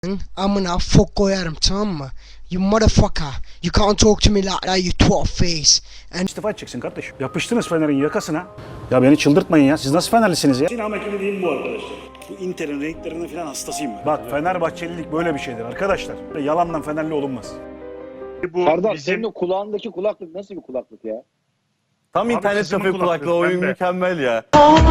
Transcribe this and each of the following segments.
amına fok koyarım, tamam mı? You motherfucker. You can't talk to me like that, you twat face. And İstifa edeceksin kardeşim. Yapıştınız Fener'in yakasına. Ya beni çıldırtmayın ya. Siz nasıl Fenerlisiniz ya? Sinema ekibi değil bu arkadaşlar. Bu Inter'in renklerine falan hastasıyım ben. Bak Fenerbahçelilik böyle bir şeydir arkadaşlar. Yalandan Fenerli olunmaz. Bu Serdar bizim... senin o kulağındaki kulaklık nasıl bir kulaklık ya? Tam Abi internet kızımın kafe kulaklığı, kulaklığı oyun pembe. mükemmel ya.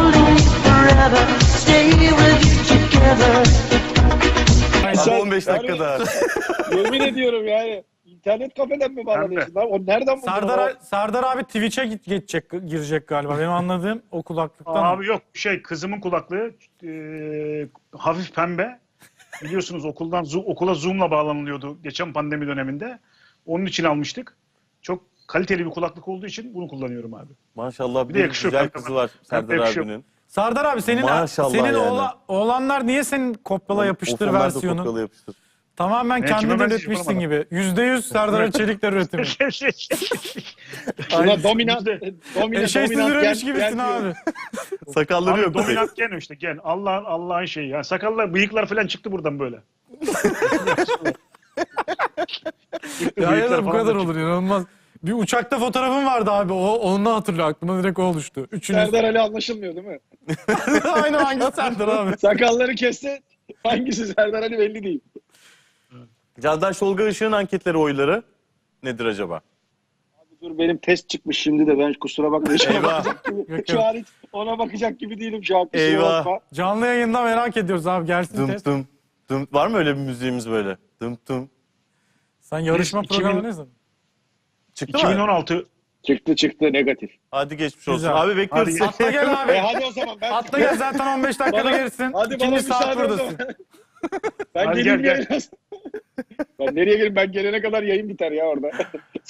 Ama 15 dakikada. Yemin ediyorum yani. İnternet kafeden mi bağlanıyorsun lan? O nereden buldun? Serdar abi Twitch'e girecek galiba. Benim anladığım o kulaklıktan. Abi yok kızımın kulaklığı hafif pembe. Biliyorsunuz okula Zoom'la bağlanılıyordu geçen pandemi döneminde. Onun için almıştık. Çok kaliteli bir kulaklık olduğu için bunu kullanıyorum abi. Maşallah Bir bir de yakışıyor güzel kanka. kızı var Serdar yakışıyor. abinin. Serdar abi senin Maşallah senin yani. oğlanlar niye senin kopyala yapıştır Onlar da versiyonu? kopyala yapıştır. Tamamen Ne, kime kendin ben üretmişsin yapamadım. gibi. %100 Serdar Çelikler üretimi. Buna dominant Eşeğsiz üremiş gibisin abi. Sakalları Abi yok. dominant gen işte gen. Allah'ın şeyi. Yani sakallar, bıyıklar falan çıktı buradan böyle. Ya ya da bu falan kadar da olur inanılmaz. Bir uçakta fotoğrafım vardı abi. Onunla hatırlıyor. Aklıma direkt o oluştu. Üçünüz. Serdar Ali anlaşılmıyor değil mi? Aynı hangi Serdar abi? Sakalları kesse hangisi Serdar Ali belli değil. Candaş Tolga Işık'ın anketleri oyları nedir acaba? Dur benim test çıkmış şimdi de ben kusura bakma. Eyvah. Şu an hiç ona bakacak gibi değilim şu an. Kusura Eyvah. bakma. Canlı yayında merak ediyoruz abi. Gelsin Dım test. dım. Dım. Var mı öyle bir müziğimiz böyle? Dım dım. Sen yarışma Biz programı ne zaman? Çıktı mı? 2016 Çıktı negatif. Hadi geçmiş olsun. Güzel. Abi bekliyoruz Hadi. seni. Atla gel abi. Hadi o zaman ben Atla gel zaten 15 dakikada Bana- gelirsin. hadi bana İkinci saat müsaade o buradasın. zaman. Ben Hadi geleyim gel, diye biraz. Ben nereye geleyim? Ben gelene kadar yayın biter ya orada.